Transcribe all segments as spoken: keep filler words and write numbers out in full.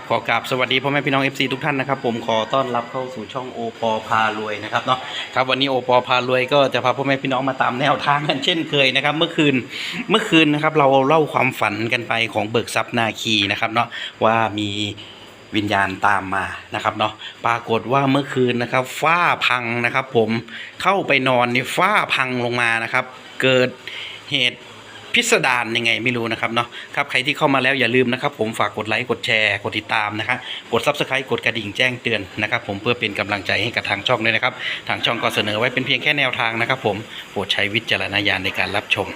ขอกราบสวัสดีพ่อแม่พี่น้อง เอฟ ซี ทุกท่านนะครับผมขอต้อนรับเข้าสู่ช่องโอปอพารวยนะครับเนาะครับวันนี้โอปอพารวยก็จะพาพ่อแม่พี่น้องมาตามแนวทางกันเช่นเคยนะครับเมื่อคืนเมื่อคืนนะครับเราเล่าความฝันกันไปของเบิกทรัพย์นาคีนะครับเนาะว่ามีวิญญาณตามมานะครับเนาะปรากฏว่าเมื่อคืนนะครับฝ้าพังนะครับผมเข้าไปนอนนี่ฝ้าพังลงมานะครับเกิดเหตุพิสดารยังไงไม่รู้นะครับเนาะครับใครที่เข้ามาแล้วอย่าลืมนะครับผมฝากกดไลค์กดแชร์กดติดตามนะครับกด ซับสไครบ์ กดกระดิ่งแจ้งเตือนนะครับผมเพื่อเป็นกำลังใจให้กับทางช่องด้วยนะครับทางช่องก็เสนอไว้เป็นเพียงแค่แนวทางนะครับผมโปรดใช้วิจารณญาณในการรับชม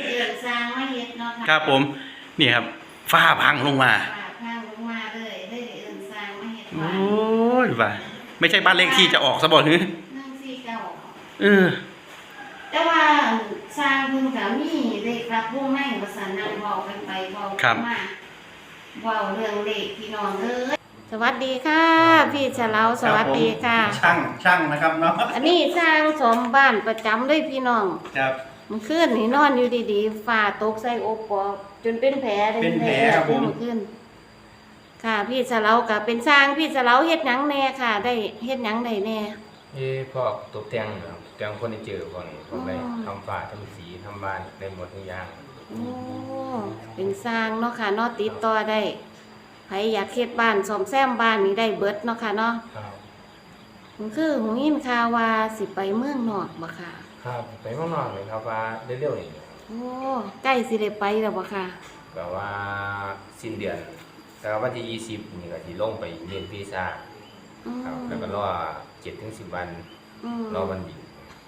ครับผมนี่ครับฝ้าพังลงมาพังลงมาเลยได้เอิ้นสร้างมาเฮ็ดโอ้ยว่าไม่ใช่บ้านเลขที่จะออกซะบ่หรือหนึ่งสี่เก้าเออแต่ว่าสร้างเพิ่นก็มีเลขรับวงในว่าซั่นนั่งเว้ากันไปเว้ากันมาเว้าเรื่องเลขพี่น้องเอ้ยสวัสดีค่ะพี่ฉลาวสวัสดีค่ะช่างช่างนะครับเนาะอันนี้สร้างสมบ้านประจำด้วยพี่น้องครับมันขึ้นนี่นอนอยู่ดีๆฝ่าตกใส่โอปอจนเป็นแผลเป็นแผลครับผมขึ้นค่ะพี่ฉลาวก็เป็นสร้างพี่ฉลาวเฮ็ดหยังแน่ค่ะได้เฮ็ดหยังได้แน่เอ้พวกตกแต่งครับแต่งคนที่เจอคนพวกได้ทำฝ้าทำสีทำบ้านได้หมดทุกอย่างโอ้เป็นสร้างเนาะค่ะเนาะติดต่อได้ใครอยากเฮ็ดบ้านซ่อมแซมบ้านนี่ได้เบิดเนาะค่ะเนาะครับมันคือหูยินข่าวว่าสิไปเมืองนอกบ่ค่ะครับไปเมืองนอกเลยครับว่าเร็วๆนี่โอ้ใกล้สิได้ไปแล้วบ่ค่ะแบบว่าสิ้นเดือนแต่วันที่ยี่สิบนี่ก็สิลงไปเรียนวีซ่าครับแล้วก็รอเจ็ดถึงสิบวันรอวันบิน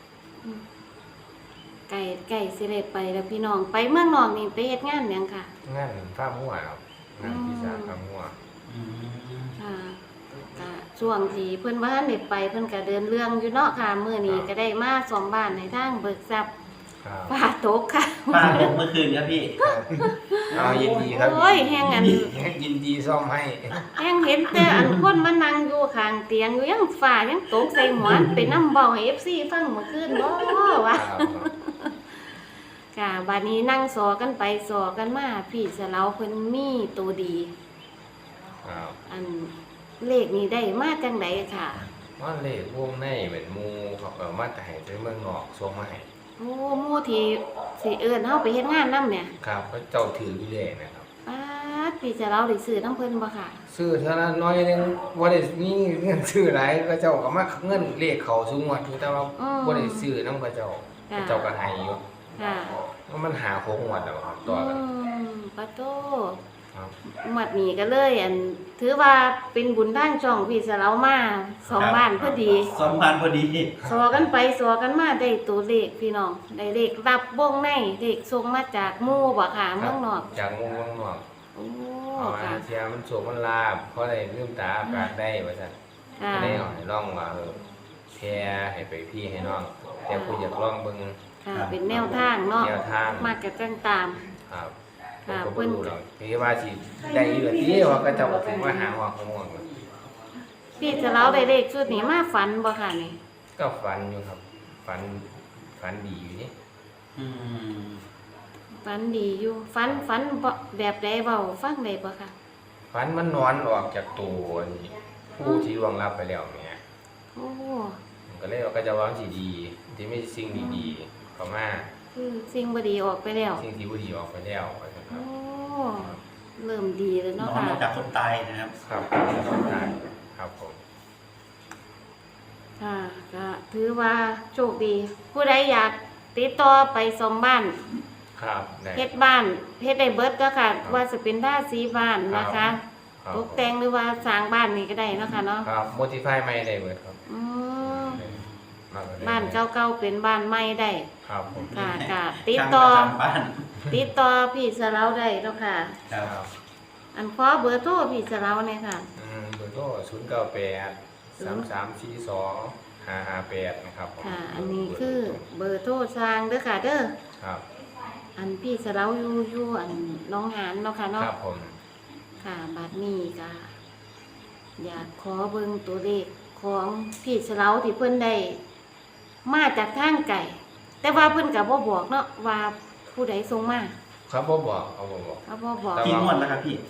ไก่ไก่สิได้ไปแล้วพี่น้องไปเมืองนอกนี่ไปเฮ็ดงานหยังค่ะงานฟาร์มหัวครับงานวีซ่าฟาร์มหัวค่ะก็ช่วงที่เพิ่นว่าได้ไปเพิ่นก็เดินเรื่องอยู่เนาะค่ะมื้อนี้ก็ได้มาซ่อมบ้านในทางเบิกทรัพย์ป้าตกค่ะป้าตกเมื่อคืนครับพี่เอายินดีครับโอ้ยแฮงอันยินดีซ่อมให้แฮงเห็นแต่อันคนมานั่งอยู่ข้างเตียงอยู่ยังฟ้ายังตกใส่หัวไปนำเว้าให้ เอฟ ซี ฟังเมื่อคืนบ่วะค่ะบัดนี้นั่งสอกันไปสอกันมาพี่สะเลาเพิ่นมีตัวดีครับอันเลขนี้ได้มาจังไดค่ะว่าเลขวงในเป็นหมู่เขาเอามาแต่ให้ไปเมืองนอกส่งมาให้โอ้หมู่ที่สิเอิ้นเฮาไปเฮ็ดงานนำเนี่ยครับเขาเจ้าถืออยู่เลยนะครับป๊าดพี่สะเลาได้ซื้อนำเพิ่นบ่ค่ะซื้อเท่านั้นน้อยนึงบ่ได้มีเงินซื้อหลายก็เจ้าก็มาเงินเลขเขาสูงหมดแต่ว่าบ่ได้ซื้อนำเขาเจ้าเจ้าก็ให้อยู่ค่ะมันหาโค้งหมดแล้วครับต่อกันอืมปะโตครับหมดนี้ก็เลยอันถือว่าเป็นบุญทางช่องพี่สะเลามาสองบ้านพอดีสองบ้านพอดีสอกันไปสอกันมาได้ตัวเลขพี่น้องได้เลขรับวงในเลขส่งมาจากหมู่บ่ค่ะเมืองนอกจากหมู่เมืองนอกโอ้ค่ะเสียมันโศกมันลาบเพราะได้ลืมตาอากาศได้ว่าซั่นก็ได้เอาให้ลองว่าเออแพร่ให้ไปพี่ให้น้องแต่ผู้อยากลองเบิ่งค่ะเป็นแนวทางเนาะมากกับจังตามครับค่ะเพิ่นคือว่าสิได้อยู่ที่ว่าก็เจ้าถึงว่าหาว่าของม่วงพี่จะเล่าได้เลขชุดนี้มาฝันบ่ค่ะนี่ก็ฝันอยู่ครับฝันฝันดีอยู่นี่อืมฝันดีอยู่ฝันฝันแบบใดเว้าฟังได้บ่ค่ะฝันมันนอนออกจากตัวนี่ผู้ที่ล่วงลับไปแล้วเนี่ยโอ้ก็เลยว่าก็จะว่าสิดีที่มีสิ่งดีๆเข้ามาคือสิ่งบ่ดีออกไปแล้วสิ่งที่บ่ดีออกไปแล้วโอ้เริ่มดีแล้วเนาะค่ะนอนจากคนตายนะครับครับคนตายครับผมค่ะก็ถือว่าโชคดีผู้ใดอยากติดต่อไปซ่อมบ้านครับเฮ็ดบ้านเฮ็ดได้เบิดก็ค่ะว่าจะเป็นท่าสีบ้านนะคะตกแต่งหรือว่าสร้างบ้านนี่ก็ได้เนาะค่ะเนาะครับโมดิฟายใหม่ได้เบิดครับอืมบ้านเก่าๆเป็นบ้านใหม่ได้ครับผมค่ะค่ะติดต่อติดต่อพี่สะเลาได้เนาะค่ะครับอันขอเบอร์โทรพี่สะเลาเนี่ยค่ะอืมเบอร์โทรศูนย์ เก้า แปด สาม สาม สี่ สอง ห้า ห้า แปดนะครับค่ะอันนี้คือเบอร์โทรสร้างเด้อค่ะเด้อครับอันพี่สะเลาอยู่อยู่อันน้องหานเนาะค่ะเนาะครับผมค่ะบัดนี้ก็อยากขอเบิ่งตัวเลขของพี่สะเลาที่เพิ่นได้มาจากทางไก่แต่ว่าเพิ่นก็บ่บอกเนาะว่าผู้ใดส่งมาครับบ่บอกเขาบ่บอกเขาบ่บอกกี่งวดแล้วครับพี่ห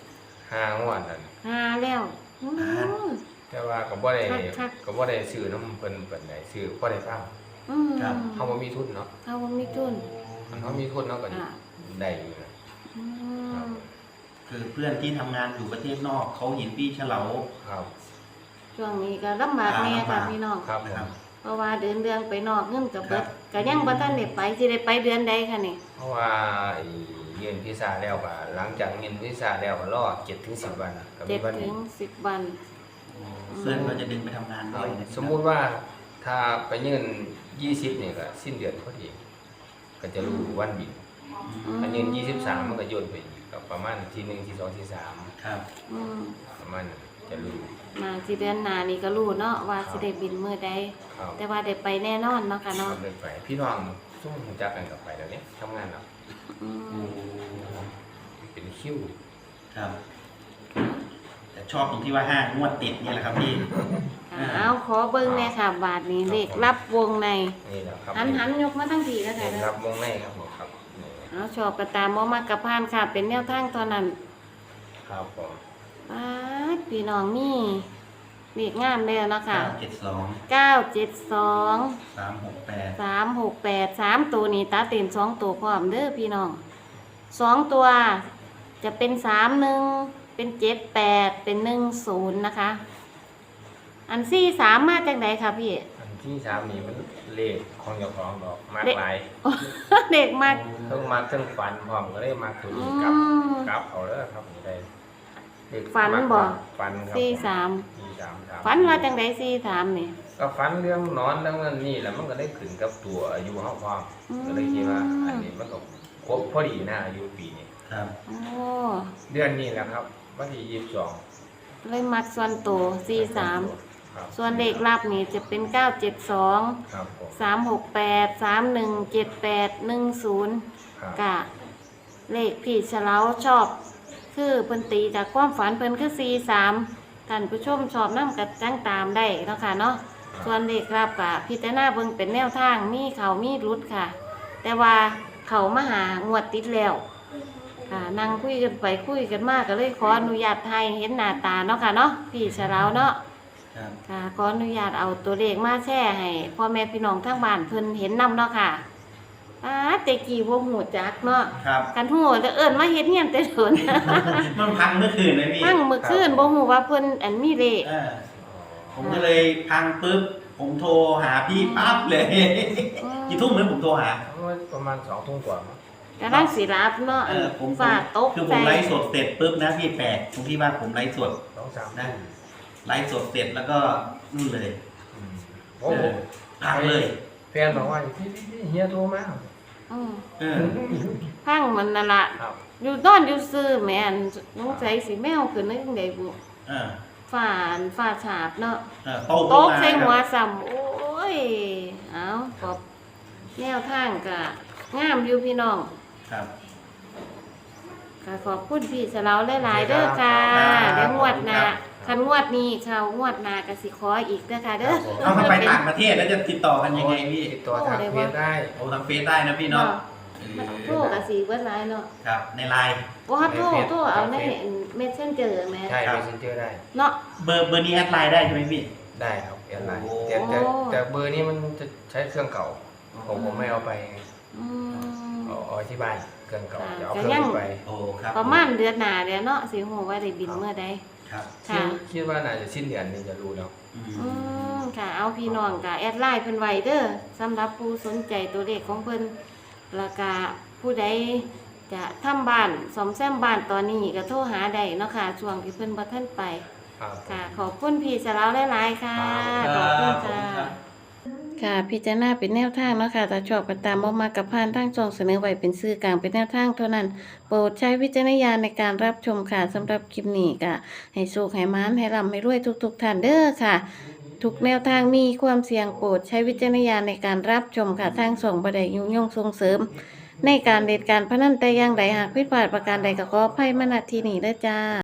ห้างวดนั่นหาแล้วอืมแต่ว่าก็บ่ได้คักๆก็บ่ได้ซื้อนำเพิ่นปานใดซื้อพอได้ฟังอืมเฮาบ่มีทุนเนาะเขาบ่มีทุนอันเฮามีทุนเนาะก็อ่าได้อยู่นะอืมคือเพื่อนที่ทำงานอยู่ประเทศนอกเขาเห็นพี่เฉลาครับช่วงนี้ก็ลำบากแน่ค่ะพี่น้องครับผมครับเพราะว่าเดินเรื่องไปนอกเงินก็เบิดครับก็ยังบ่ทันได้ไปสิได้ไปเดือนใดค่ะนี่เพราะว่าไอ้เรียนวีซ่าแล้วก็หลังจากเรียนวีซ่าแล้วก็รอเจ็ดถึงสิบวันก็มีเจ็ดวันถึนี้งสิบวันเพื่อนก็จะดึงไปทำงานด้วยนะสมมุติว่าถ้าไปยื่นยี่สิบนี่ก็สิ้นเดือนพอดีก็จะรู้วันบินอืมอันยื่นยี่สิบสามมันก็โยนไปอีกก็ประมาณทีหนึ่งทีสองทีสามครับอืมประมาณนั้นจะรู้มาสิเดือนหน้านี่ก็รู้เนาะว่าสิได้บินมื้อใดครับแต่ว่าได้ไปแน่นอนเนาะค่ะเนาะก็เลยไปพี่น้องซุ่มรู้จักกันกับไปแล้วเนี่ยทำงานแล้วอืมเป็นคิวครับ แต่ชอบตรงที่ว่าห้างวดติดนี่แหละครับพี่เอาขอเบิ่งแน่ค่ะบาทนี้เลขรับวงในนี่แหละครับหันหันยกมาทั้งทีแล้วเห็ค่ะนรับวงในครับผมครับนี่เอาชอบกระตามบ่มากกระพานค่ะ เป็นแนวทางเท่านั้นครับผมปาดพี่น้องมีเลขงามแล้วเนาะค่ะเก้าเจ็ดสองเก้าเจ็ดสองสามหกแปดสามหกแปดสามตัวนี้ตาเต็มสองตัวพร้อมเด้อพี่น้องสองตัวจะเป็นสามหนึ่งเป็นเจ็ดแปดเป็นหนึ่งศูนย์นะคะ อันซี่สามมาจากไหนคะพี่อันที่สามนี่มันเลขของเจ้าของดอกมากเลขหลายเด็กมากเพิ่งมาเพิ่งฝันพร้อมก็เลยมาตัวอืนี้กลับมกลับเอาเด้อครับนี่ได้เลขฝันบ่ฝันครับซี่สามสี่สามสามฝันว่าจังไดซี่สามนี่ก็ฝันเรื่องนอนเรื่องนั้นนี่แหละมันก็ได้ขึ้นกับตัวอายุเฮาพร้อมอืมก็เลยคิดว่าอันนี้มันก็ครบพอดีนะอายุปีนี้ครับโอ้เดือนนี้แหละครับวันที่ยี่สิบสองเลยมักส่วนตัวซี่สามครับส่วนเลขลับนี่จะเป็นเก้าเจ็ดสองครับผมสามหกแปดสามหนึ่งเจ็ดแปดหนึ่งศูนย์ครับกะเลขพี่เฉลาชอบ คือเพิ่นตีจากความฝันเพิ่นคือสี่สามท่านผู้ชมชอบน้ำกัดจังตามได้เนาะค่ะเนาะส่วนเลขรับกะพิจารณาเบิ่งเป็นแนวทางมีเขามีรุดค่ะ แต่ว่าเขามาหางวดติดแล้วค่ะนั่งคุยกันไปคุยกันมากก็เลยขออนุญาตไทยเห็นหน้าตาเนาะค่ะเนาะพี่เฉลาเนาะครับค่ะขออนุญาตเอาตัวเลขมาแชร์ให้พ่อแม่พี่น้องทางบ้านเพิ่นเห็นนำเนาะค่ะอ้าแต่กี่บ่ฮู้จักเนาะครับกันฮู้แต่เอิ้นมาเฮ็ดเฮียนแต่เถินมันพังเมื่อคืนเลยพี่ทั้งมื้อคืนบ่ฮู้ว่าเพิ่นอันมีเลขเออผมก็เลยพังปุ๊บ ผมโทรหาพี่ปั๊บเลย กี่ทุ่มเลยผมโทรหาประมาณสองทุ่มกว่ามั้งกำลังสิรับเนาะเออผมฝาดตกคือผใจมไลฟ์สดเสร็จปุ๊บนะพี่แปลกตรงที่ว่าผมไลฟ์สดสองสามนะทุ่มไลฟ์สดเสร็จแล้วก็นู่นเลยอืมเอโอ้โหอพังเลยแฟนบอกว่าพี่พี่พี่เฮียโทรมาอืมเออพังมันนั่นล่ะครับอยู่นอนอยู่ซื่อแม่นสงสัยสิแมวขึ้นได้จังได๋บุเออฝ้าอันฝ้าฉาบเนาะเออโตโต๊ะขึ้นมาใส่หัวครับซ้ำโอ้ย เอาขอบแนวทางกะงามอยู่พี่น้องครับค่ะขอบคุณพี่สะเลาหลายๆเด้อค่ะครับเดี๋ยวงวดหน้าครับคันงวดนี้เขางวดหน้าก็สิขออีกเด้อค่ะเด้อเอาถ้าไปต่างประเทศแล้วจะติดต่อกันยังไงพี่ติดต่อทางเฟซได้โอ้ทางเฟซได้นะพี่เนาะโทรก็สิเบิดหลายเนาะครับ ในไลน์บ่ฮัดโทรโทรเอาใน Messenger แม่ใช่ครับเมสเซนเจอร์ได้เนาะเบอร์เบอร์นี้แอดไลน์ได้ใช่ไหมพี่ได้ครับแอดไลน์โอ้แต่แต่แต่เบอร์นี้มันจะใช้เครื่องเก่า ผมผมไม่เอาไปอืมเอาเอาที่บ้านเครื่องเก่าค่ะจะเอาก็เครื่ยัองงนี้ไปโอ้ครับประมาณเดือนหน้าเดี๋ยวเนาะสิฮู้ว่าได้บินเมื่อใดครับคิดค่ะคิดว่าน่าจะสิ้นเดือนนี้จะรู้แล้วอืมอืมค่ะเอาพี่น้องก็แอดไลน์เพิ่นไว้เด้อสำหรับผู้สนใจตัวเลขของเพิ่นแล้วก็ผู้ใดจะทำบ้านซ่อมแซมบ้านตอนนี้ก็โทรหาได้เนาะค่ะช่วงที่เพิ่นบ่ทันไปครับค่ะขอบคุณพี่สะเลาหลายๆค่ะคขรัอบบคุณขอบค่ะณรับค่ะพิจารณาเป็นแนวทางเนาะค่ะถ้าชอบก็ตามบ่มากับพานทางช่องเสนอไว้เป็นสื่อกลางเป็นแนวทางเท่านั้น โปรดใช้วิจารณญาณในการรับชมค่ะสำหรับคลิปนี้ก็ให้โชคให้มานให้ร่ำให้รวยทุกๆท่านเด้อค่ะ ทุกแนวทางมีความเสี่ยงโปรดใช้วิจารณญาณในการรับชมค่ะทางส่งบ่ได้ยุ่งยงส่งเสริม ในการเด็ดการพนันแต่อย่างใดหากผิดพลาดประการใดก็ขออภัยมาณที่นี้เด้อจ้า